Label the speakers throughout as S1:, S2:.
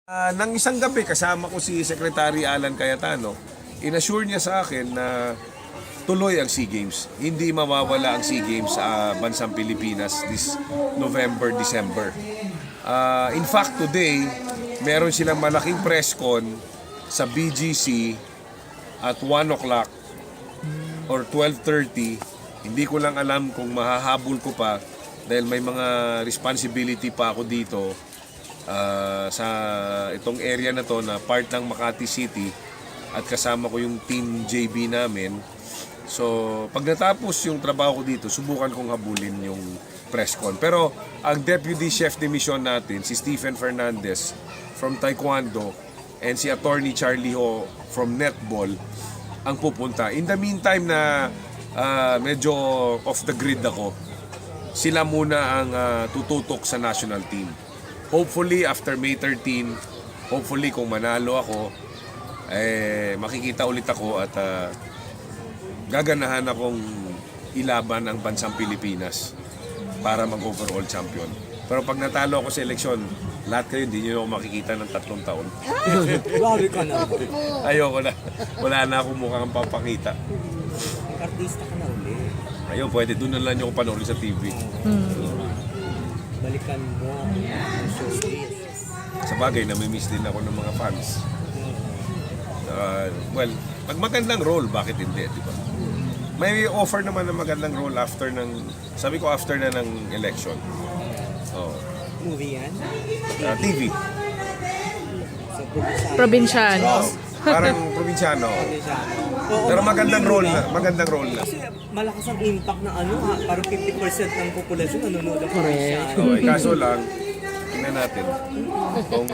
S1: Nang isang gabi, kasama ko si Secretary Alan Cayetano, inassure niya sa akin na tuloy ang SEA Games. Hindi mawawala ang SEA Games sa bansang Pilipinas this November, December. In fact, today, meron silang malaking press con sa BGC at 1 o'clock or 12:30. Hindi ko lang alam kung mahahabol ko pa dahil may mga responsibility pa ako dito sa itong area na to na part ng Makati City at kasama ko yung team JB namin. So, pag natapos yung trabaho ko dito, subukan kong habulin yung press con. Pero ang Deputy Chef de Mission natin, si Stephen Fernandez from Taekwondo and si Attorney Charlie Ho from Netball ang pupunta. In the meantime na medyo off the grid ako, sila muna ang tututok sa national team. Hopefully, after May 13, hopefully kung manalo ako, makikita ulit ako at gaganahan akong ilaban ang bansang Pilipinas para mag-overall champion. Pero pag natalo ako sa eleksyon, lahat kayo hindi nyo ako makikita ng 3 taon.
S2: Grabe ka na.
S1: Ayoko na. Wala na akong mukhang papakita.
S2: Artista ka na ulit.
S1: Ayun, pwede. Doon na lang nyo ako panoorin sa TV.
S2: Balikan mo ang showbiz.
S1: Sa bagay, namimiss din ako ng mga fans. Well, pag magandang role, bakit hindi, di ba? May offer naman ng magandang role after ng, sabi ko after na ng election. Oh.
S2: Movie yan?
S1: TV.
S2: Sa
S3: Probinsyano.
S1: Oh, parang probinsyano.
S2: Oo,
S1: Pero magandang role na, magandang role na.
S2: Kasi malakas ang impact ng ano ha, parang 50% ng populasyon nanonood ng
S3: Correct.
S1: Okay, kaso lang, tingnan natin kung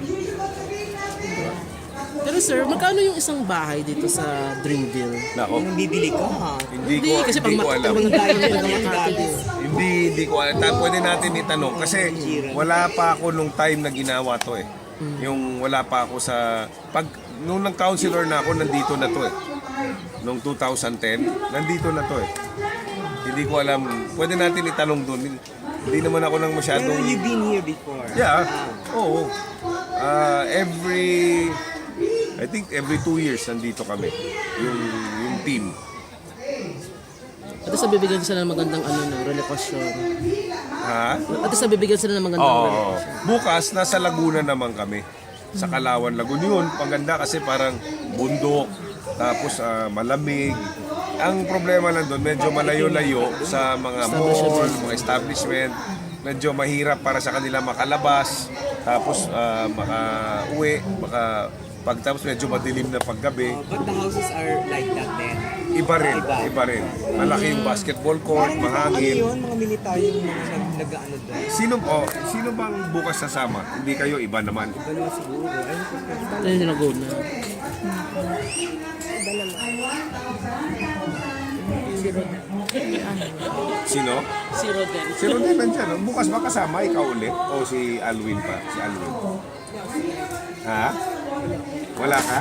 S3: Pero sir, magkano yung isang bahay dito sa Dreamville?
S1: nako,
S2: Kung bibili ka ha.
S1: hindi
S3: Kasi
S1: ko
S3: pag
S1: alam.
S3: mga tayo ng Makati.
S1: Hindi ko alam. Pwede natin itanong kasi wala pa ako nung time na ginawa to eh. Yung wala pa ako sa nung nag-counselor na ako, nandito na to eh. Nung 2010, nandito na to eh. Hindi ko alam. Pwede natin itanong doon. Hindi naman ako nang
S2: Pero
S1: masyadong...
S2: you've been here before.
S1: Yeah. Oo. I think every 2 years nandito kami. Yung team.
S3: At sa bibigyan sila ng magandang relasyon.
S1: Ha?
S3: At sa bibigyan sila ng magandang
S1: Oo.
S3: relasyon.
S1: Bukas, nasa Laguna naman kami. Sa Kalawan, Laguna yun. Paganda kasi parang bundok. Tapos malamig. Ang problema lang doon, medyo malayo-layo sa mga mall, mga establishment. Medyo mahirap para sa kanila makalabas. Tapos makauwi. Pagtapos medyo madilim na paggabi.
S2: But the houses are like that then.
S1: Iba rin. Malaki yung basketball court,
S2: Ano
S1: mahangin.
S2: yun, mga militaryo yung mga nag-ano doon?
S1: Sino bang bukas sasama? Hindi kayo, iba naman.
S2: Dalawa siguro. Ayun ko.
S3: Ito yung Laguna.
S1: Sino?
S3: Si Rodel.
S1: Si Rodel nandyan. Bukas ba kasama? Ikaw ulit? O si Alwin pa? Si Alwin. Ha? Wala ka?